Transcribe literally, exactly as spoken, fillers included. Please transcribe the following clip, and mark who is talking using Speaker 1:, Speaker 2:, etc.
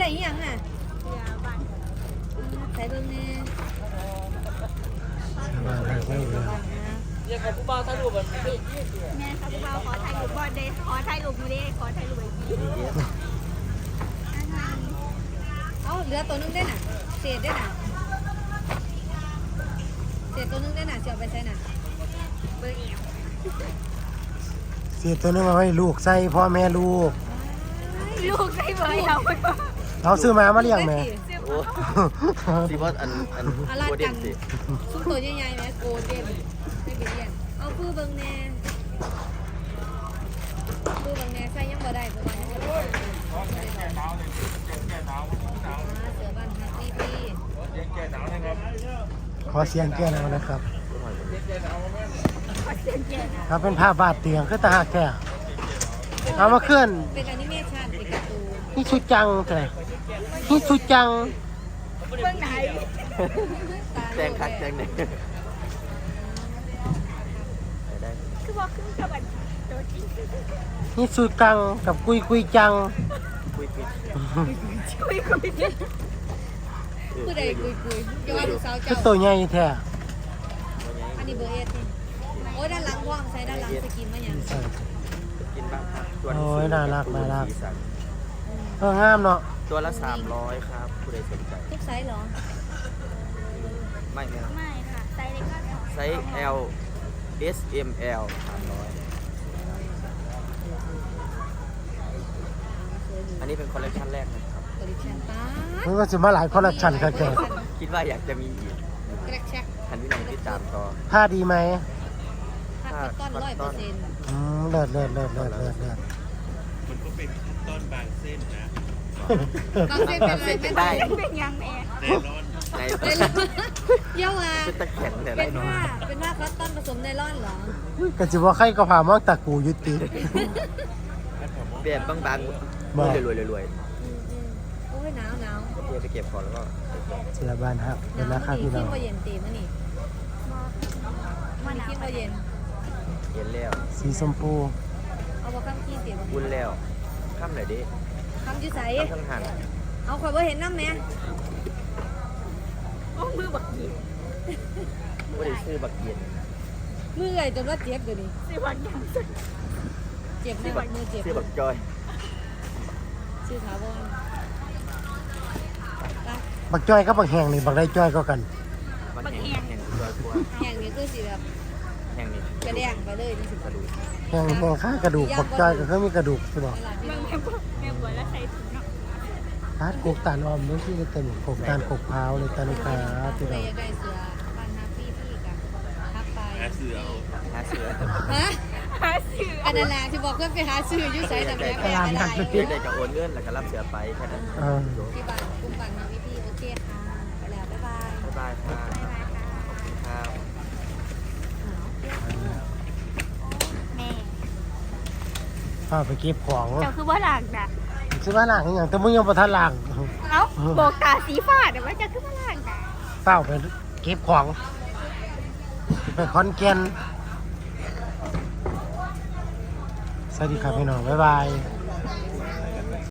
Speaker 1: ส่ยังอ่ะใส่เบิ่งแน่
Speaker 2: เรียกกับผู้บ่าวถ่ายรูปแบบนี้
Speaker 3: แม่ครับผู้บ่าวขอถ่ายรูปบอลเดย์ขอถ่ายรูปมูเดย์ขอถ่ายรูปไอ้พี่
Speaker 1: เอาเหลือตัวนึงได้น่ะเศษได้น่ะเศษตัวนึงได้น่ะเสียไปใส่น่ะเบิ่งอีก
Speaker 4: เสียตัวนึงมาให้ลูกใส่พ่อแม่ลูก
Speaker 3: ลูกใส่เบอร์เราไปก่อน
Speaker 4: เราซื้อมามาเลี้ยงแม่
Speaker 2: ที่ว่าอันอันโคเดนสิ
Speaker 1: ซุ้มตัวใหญ่ๆแม่โกเดนไม่ไปเรียนเอาปื้อเบิ่งแน่ปื้อเบิ่งแน่ใส่ยังบ่ได้เพราะว่ายังบ่ได้เสือบ้านฮักตี้ตี้
Speaker 4: ขอเสียงแก้หน่อยนะครับครับเป็นภาพบาดเตียงคือตาหักแก่เอามาเคลื่อน
Speaker 1: เป็นแอนิเมชันเป็นการ์ตูน
Speaker 4: นี่ชุดจังแต่นี่ชุดจัง
Speaker 3: เบื้องไหน
Speaker 2: แจงคักแจงเนี่ย
Speaker 3: คือบอกคือกับอันตัวจริง
Speaker 4: นี่ชุดจังกับกุยกุยจัง
Speaker 2: คุยคุย
Speaker 3: คุยคุย
Speaker 1: ผู้ใดคุยคุยย้อนดูสาวเจ้า
Speaker 4: คือตัวใหญ่แท้
Speaker 1: อันนี้เบอร์เอสนี่โอ้ด้านหลังว่างใช้ด้านหลังสกินมาอย่าง
Speaker 2: กินบ้างครับ
Speaker 4: โอ้ยน่ารักน่ารักเอองามเนาะ
Speaker 2: ตัวละสามร้อยครับผู้ใดสนใจ
Speaker 1: ทุกไซส์เหรอ
Speaker 2: ไม่ไม่
Speaker 3: ไม่ค่ะไซส์เล็กก็
Speaker 2: ไซส์ L S M L สามร้อยอันนี้เป็นคอลเลคชันแรกนะครับ
Speaker 1: คอลเลคชันป้า
Speaker 4: มันก็จะมาหลายคอลเลคชันกันแก
Speaker 2: คิดว่าอยากจะมีอีกทันที่น้องที่ตามต่อ
Speaker 4: ผ้าดีไหม
Speaker 1: ผ้าต้นร้อยเปอร์เซ็นต์
Speaker 4: อืมเลิศเลิศเลิศเลิศเลิศเลิศ
Speaker 5: มันก็เป็นต้นบางเส้นนะ
Speaker 1: บางเส้นเป็นอะไรเป็นได้
Speaker 3: เป็นยังแม่
Speaker 5: เนลอน
Speaker 2: ใน
Speaker 1: เยาว่า
Speaker 2: เป็นตะแข็งแต่
Speaker 1: เป็นผ้าเป็นผ้าคอตตอนผสมไนล่อนเหรอ
Speaker 4: ก็จะว่าใครก็พามองตะกูยุติ
Speaker 2: แบบบางๆรวยรวยรวย
Speaker 1: โอ้ยหนาวหนาว
Speaker 2: เดี๋ยวไปเก็บก่อนแล้วก็
Speaker 4: เสียบ้านครับเป็นราคาพี่น้อง
Speaker 1: ที่เย็นตีมั้นี่มันที่เย็น
Speaker 2: เย็นแล้ว
Speaker 4: สีชมพู
Speaker 1: เอาบ่ข้ามขี้เสียบ่
Speaker 2: บุญแล้วข้ามไหนดิ
Speaker 1: ข้ามอยู่ไส
Speaker 2: ข้ามหัน
Speaker 1: เอาข่อยบ่เห็นน้ำแม่
Speaker 3: โอ้มือบักยี
Speaker 2: บ่ได้ซื้อบักเย็น
Speaker 1: มือไอ้จนว่าเจ็บเดี๋ยวนี้
Speaker 3: ซื้อบักยัง
Speaker 1: เจ็บซื้อบักมือเจ็บ
Speaker 2: ซื้อบักจอย
Speaker 1: ซื้อถาวร
Speaker 4: บักจ้อยกับบักแห้งนี่บักได้จ้อยก็กัน
Speaker 2: บักแห้งแห้งจอยกว่า
Speaker 1: แห้งนี่คือสิแบบ
Speaker 2: แห้งนี่
Speaker 1: กระแดงไปเลยนี่สิ
Speaker 2: กระดูก
Speaker 4: แห้งแห้งข้ากระดูกบักจ้อยก็คือมีกระดูกใช่บ่
Speaker 3: แม่แม่แม่บัวแล้วใส่ถุงเนาะ
Speaker 4: ทาดกกตาลอมด้วยที่จะเต็มกกตาลกกพร้าวเลยตาลูกค้าที่เรา
Speaker 1: ได้เสือบ้านฮับพี่พี่กันทักไป
Speaker 5: หาเสือ
Speaker 2: หาเสือ
Speaker 1: ฮะ
Speaker 3: หาเสือ
Speaker 1: อันนั้นแหละที่บอกเพื่อนไปหาซื้อยุ่ใส่แต่แม่ไปหาได้
Speaker 2: ได้จะโอนเงินแล้วก็รับเสือไปแค่นั้น
Speaker 1: ที่บ้านกุ้งบ้านมาพี่พี่โอเคค่ะไปแล้วบ๊ายบาย
Speaker 2: บ๊ายบายครับครับ
Speaker 3: แม่
Speaker 4: พาไปเก็บของ
Speaker 3: เจ้าคือว่าหลังนะ
Speaker 4: ซื้อมาหลังอย่างแต่มึงยังประทันหลัง
Speaker 3: เอ้าบอกตาสีฟ้าเดี๋ยวว่าจะคือว่าหลังนะ
Speaker 4: เฝ้าไปเก็บของไปคอนแก่นสวัสดีครับพี่น้องบ๊ายบาย